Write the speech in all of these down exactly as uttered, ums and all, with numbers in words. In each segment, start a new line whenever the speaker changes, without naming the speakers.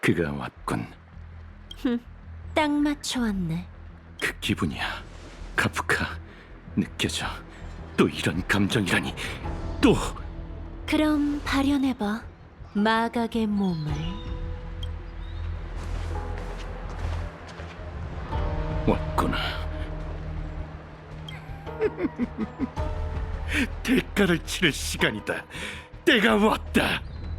그가 왔군.
딱 맞춰 왔네.
그 기분이야. 카프카, 느껴져. 또 이런 감정이라니. 또
그럼 발현해봐. 마각의 몸을.
왔구나. 대가를 치를 시간이다. 때가 왔다.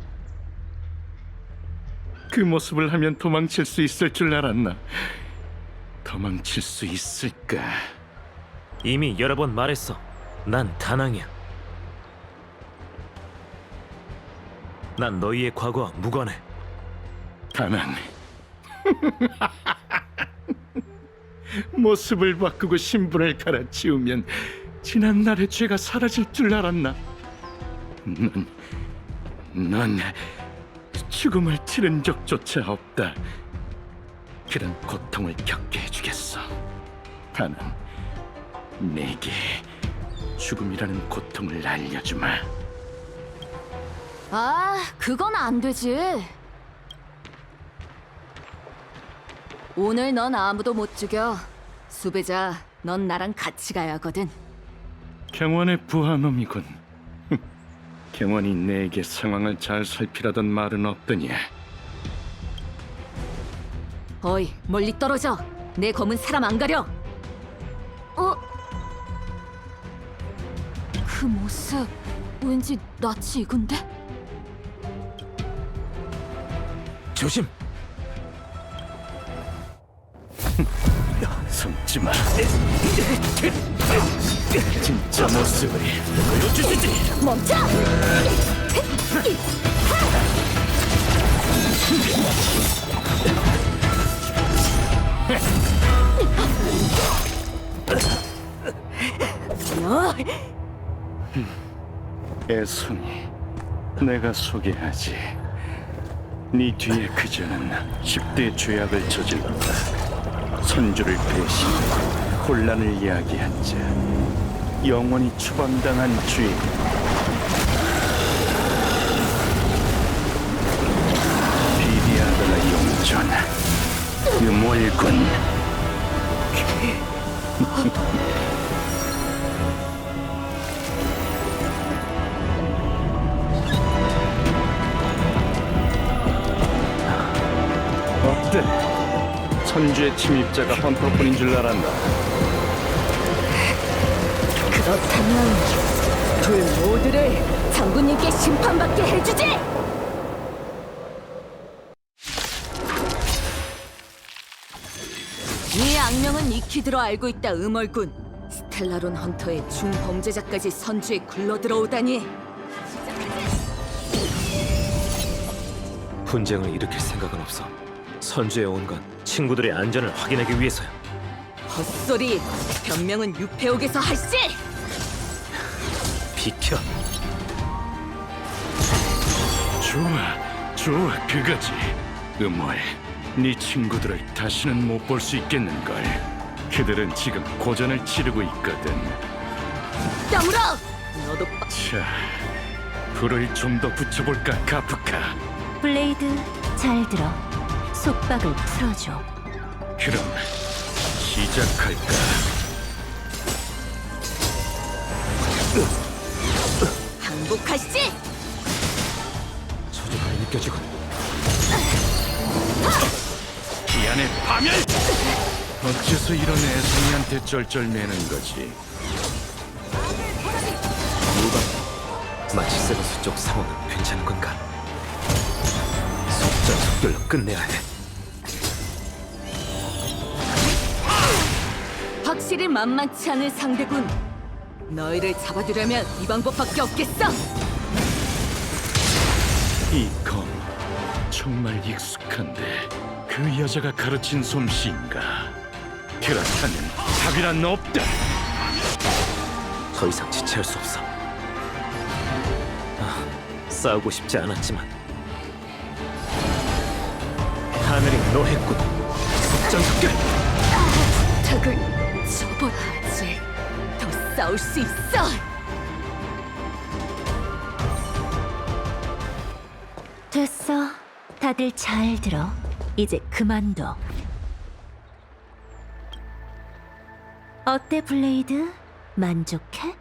그 모습을 하면 도망칠 수 있을 줄 알았나? 도망칠 수 있을까?
이미 여러 번 말했어. 난 다낭이야. 난 너희의 과거와 무관해.
다낭. 모습을 바꾸고 신분을 갈아치우면 지난 날의 죄가 사라질 줄 알았나? 넌, 넌 죽음을 치른 적조차 없다. 그런 고통을 겪게 해주겠어. 다만 내게 죽음이라는 고통을 알려주마.
아, 그건 안 되지. 오늘 넌 아무도 못 죽여. 수배자, 넌 나랑 같이 가야 하거든.
경원의 부하놈이군. 경원이 내게 상황을 잘 살피라던 말은 없더냐?
어이, 멀리 떨어져. 내 검은 사람 안 가려. 어? 그 모습 왠지 낯이 익은데?
조심.
숨지 마. 진짜 모습을 보여주시지.
멈춰! 너!
애송이, 내가 소개하지. 네 뒤에 그자는 십 대 죄악을 저질렀다. 선주를 배신, 혼란을 이야기한 자, 영원히 추방당한 죄인. 비리아드라 용전, 유몰군. 어때? 선주의 침입자가 헌터뿐인 줄 알았나?
그렇다면 둘 모두를 장군님께 심판받게 해주지! 이 악명은 익히 들어 알고 있다, 음얼군. 스텔라론 헌터의 중범죄자까지 선주에 굴러들어오다니.
분쟁을 일으킬 생각은 없어. 선주에 온 건 친구들의 안전을 확인하기 위해서야.
헛소리! 변명은 유폐옥에서 할시!
비켜.
좋아, 좋아, 그거지. 음월, 네 친구들을 다시는 못 볼 수 있겠는걸. 그들은 지금 고전을 치르고 있거든.
다물어! 너도 빠...
자, 불을 좀 더 붙여볼까, 카프카.
블레이드, 잘 들어. 속박을 풀어줘.
그럼 시작할까?
항복하시지!
저주가 느껴지군.
기안의 파멸! 어째서 이런 애송이한테 쩔쩔매는 거지?
무방. 마치 세버스 쪽 상황은 괜찮은 건가? 속전속결로 끝내야 해.
확실히 만만치 않은 상대군. 너희를 잡아두려면 이 방법밖에 없겠어.
이 검 정말 익숙한데 그 여자가 가르친 솜씨인가? 그렇다면 답이란 없다.
더 이상 지체할 수 없어. 아, 싸우고 싶지 않았지만 하늘이 노했군. 속전속결.
부탁을 접어야지. 더 싸울 수 있어.
됐어. 다들 잘 들어. 이제 그만둬. 어때, 블레이드? 만족해?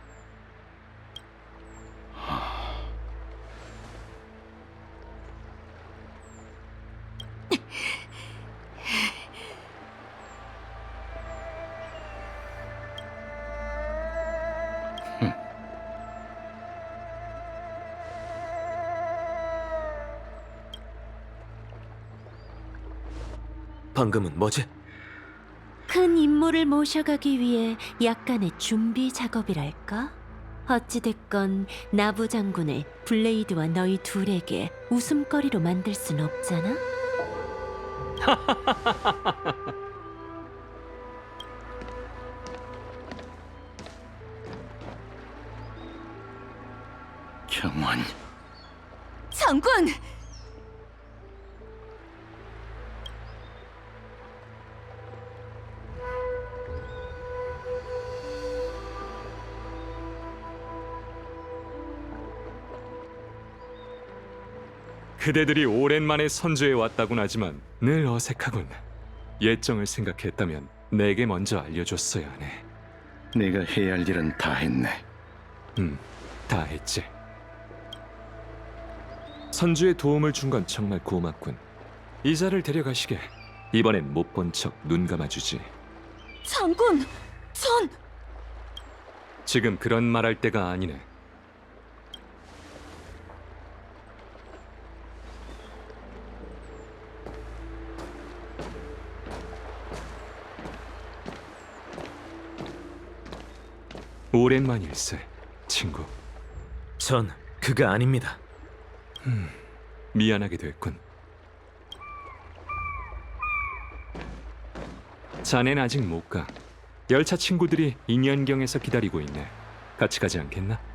방금은 뭐지?
큰 임무를 모셔가기 위해 약간의 준비 작업이랄까? 어찌됐건 나부 장군을 블레이드와 너희 둘에게 웃음거리로 만들 순 없잖아?
경원,
장군!
그대들이 오랜만에 선주에 왔다곤 하지만 늘 어색하군. 예정을 생각했다면 내게 먼저 알려줬어야 하네.
네가 해야 할 일은 다 했네.
음, 다 했지. 선주의 도움을 준 건 정말 고맙군. 이자를 데려가시게. 이번엔 못 본 척 눈 감아주지.
장군! 전...
지금 그런 말할 때가 아니네. 오랜만일세, 친구.
전 그가 아닙니다.
미안하게 됐군. 자넨 아직 못 가. 열차 친구들이 인연경에서 기다리고 있네. 같이 가지 않겠나?